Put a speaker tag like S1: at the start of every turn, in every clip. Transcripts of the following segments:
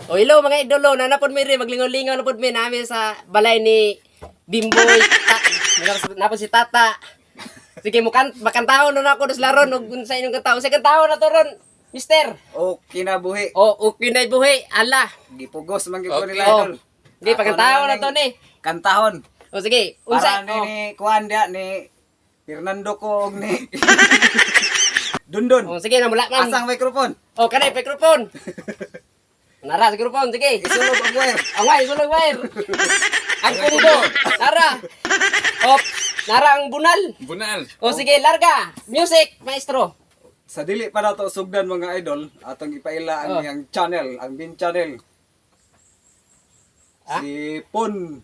S1: O hello mga idolo, nanapod mi rin, maglingaw-lingaw na pod mi namin sa balay ni Bimboy. Napod si Tata. Sige, makantahon na ako dos laron ug sa inyong kantahon. Sa kantahon na to ron, mister.
S2: O kinabuhi.
S1: O okay na buhi. Ala.
S2: Gipugos man gyud ko
S3: Okay.
S2: nila
S1: O.
S2: idol.
S1: Di pagkantahon na to ni.
S2: Kantahon.
S1: O sige,
S2: Para
S1: unsa?
S2: ni kuan dia ni Fernando ko og ni Dundon.
S1: O sige na mula man.
S2: Asang microphone.
S1: O kanay microphone. Nara sa microphone, sige.
S2: Isulog ang wire.
S1: Away, sulog wire. Ang kumbo. Nara. Op, nara ang bunal.
S3: Bunal.
S1: O sige, larga. Music, maestro.
S2: Sa dili pa na to sugdan mga idol, atong ipaila ang
S1: Oh.
S2: iyang channel, ang bin channel.
S1: Ha?
S2: Si Pon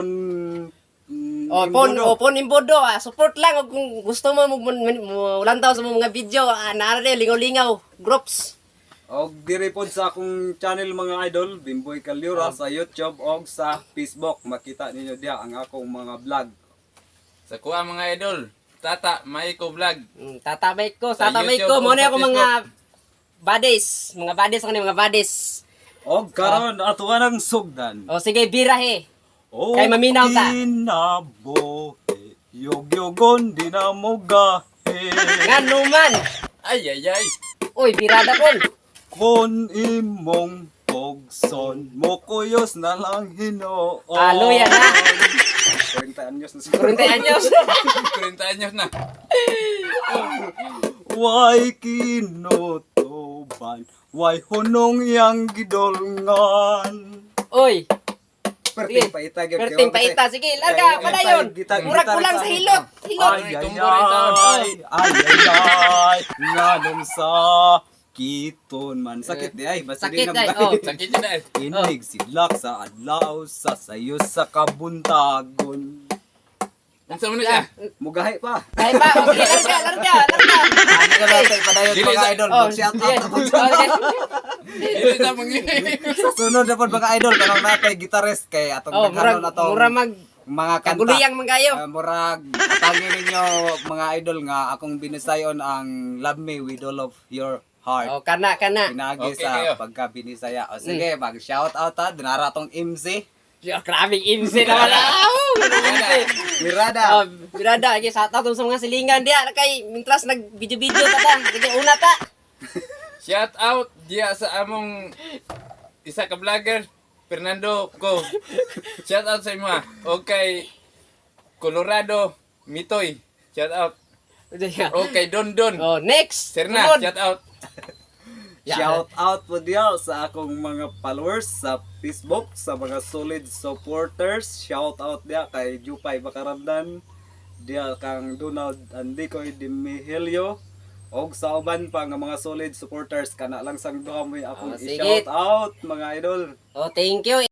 S1: O, pon imbodo. Support lang. O, kung gusto mo, ulantaw sa mga video. Nara rin, lingaw-lingaw. Groups.
S2: Og diri pod sa akong channel mga idol, Bimboy Calyura sa YouTube og sa Facebook. Makita ninyo diha ang akong mga vlog.
S3: Sa kuha mga idol. Tata, may ko vlog.
S1: Tatabay ko.
S3: Sa
S1: Tatabay
S3: YouTube
S1: ko.
S3: o
S1: Muna
S3: sa
S1: ako mga buddies. Mga buddies ako mga buddies.
S2: Og karon atuwa ng sugdan.
S1: O sige, birahe.
S2: Oh,
S1: Kay maminaw ta.
S2: Kinabuhi, yog-yogon di na mo gahe.
S1: Nga naman.
S3: Ay, ay, ay.
S1: Uy, birada ko.
S2: Kon imong togson, mo kuyos na lang hinoon.
S1: Alo yan, ha?
S2: 40 anyos na siguro.
S1: 40 anyos.
S3: 40 anyos na.
S2: Way kinutuban, way hunong yang gidolngan.
S1: Uy,
S2: Perting paita gyud.
S1: perting paita. Sige, larga. Padayon. Murag kulang sa hilot. Hilot.
S2: Ay, ay, ay, nganong sa kiton man. Sakit di ay. Basta
S1: Sakit
S2: di
S1: ay,
S2: na
S1: oh.
S3: Sakit yun na.
S2: Inig silak sa adlaw sa sayo sa kabuntagon.
S3: Ang sa muna siya.
S2: Mugahay pa.
S1: Ay pa. O, sige, larga.
S2: Ano ka natin padayon
S3: Dili
S2: mga
S3: sa-
S2: idol.
S1: Oh,
S2: Mag-shout
S1: sige.
S2: out na po.
S1: Okay.
S3: Dili sa mga
S2: Sunod na po mga idol. Kanang natay gitarist kay atong
S1: Oh,
S2: nagkaroon
S1: murag
S2: na to.
S1: mura mag
S2: Mga kanta.
S1: kaguliyang man kayo.
S2: Murag atangin ninyo mga idol nga akong binisayon ang Love Me With All of Your Heart.
S1: O, kana.
S2: Pinagi
S3: Okay,
S2: sa
S3: kayo.
S2: pagka-binisaya. O sige, mag-shout out ha. Dinara tong MC.
S1: Grabing imsi naman.
S2: Mirada.
S1: Oh, birada. Sige, sa tatong sa mga silingan diya. Kay, mintras nag-video-video ta. Sige, una ta.
S3: shout out diya sa among isa ka vlogger, Fernando ko. Shout out sa imo. Okay. Colorado, Mitoy. Shout out. Okay, Don.
S1: Oh, next.
S3: Serna,
S1: Sunod.
S3: shout out.
S2: Shout out po diya sa akong mga followers sa Facebook, sa mga solid supporters. Shout out diya kay Jupay Bakaramdan, diya kang Donald Andicoy de Miguelio, og sa uban pa nga mga solid supporters kana lang sang duha mo akong
S1: Oh, sige.
S2: i-shout out mga idol.
S1: Oh, thank you.